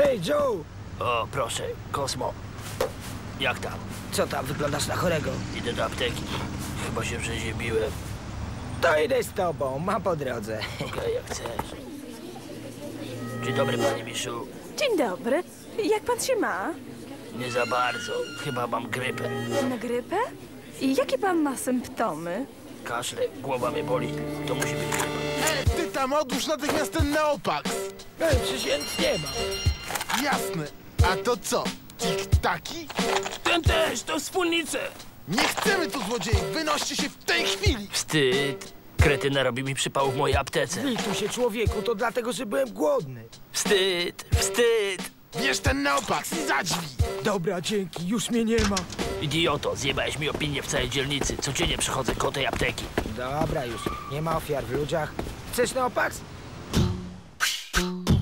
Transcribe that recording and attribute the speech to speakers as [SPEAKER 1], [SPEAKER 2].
[SPEAKER 1] Hej, Joe!
[SPEAKER 2] O, proszę, Kosmo. Jak tam?
[SPEAKER 1] Co tam, wyglądasz na chorego?
[SPEAKER 2] Idę do apteki. Chyba się przeziębiłem.
[SPEAKER 1] To idę z tobą, mam po drodze.
[SPEAKER 2] Okej, jak chcesz. Dzień dobry, panie Miszu.
[SPEAKER 3] Dzień dobry. Jak pan się ma?
[SPEAKER 2] Nie za bardzo. Chyba mam grypę.
[SPEAKER 3] Na grypę? I jakie pan ma symptomy?
[SPEAKER 2] Kaszle, głowa mnie boli. To musi być grypa.
[SPEAKER 4] Ty tam odłóż natychmiast ten Neopax!
[SPEAKER 1] Ej, przecież ja nic nie ma.
[SPEAKER 4] Jasne. A to co? Tik-taki?
[SPEAKER 2] Ten też, to wspólnice.
[SPEAKER 4] Nie chcemy tu złodziei! Wynoście się w tej chwili!
[SPEAKER 2] Wstyd. Kretyna robi mi przypał w mojej aptece.
[SPEAKER 1] Zlituj się, człowieku, to dlatego, że byłem głodny.
[SPEAKER 2] Wstyd, wstyd.
[SPEAKER 4] Bierz ten Neopax i za drzwi!
[SPEAKER 1] Dobra, dzięki, już mnie nie ma.
[SPEAKER 2] Idioto, zjebałeś mi opinię w całej dzielnicy. Codziennie przychodzę koło tej apteki.
[SPEAKER 1] Dobra już, nie ma ofiar w ludziach. Chcesz Neopax?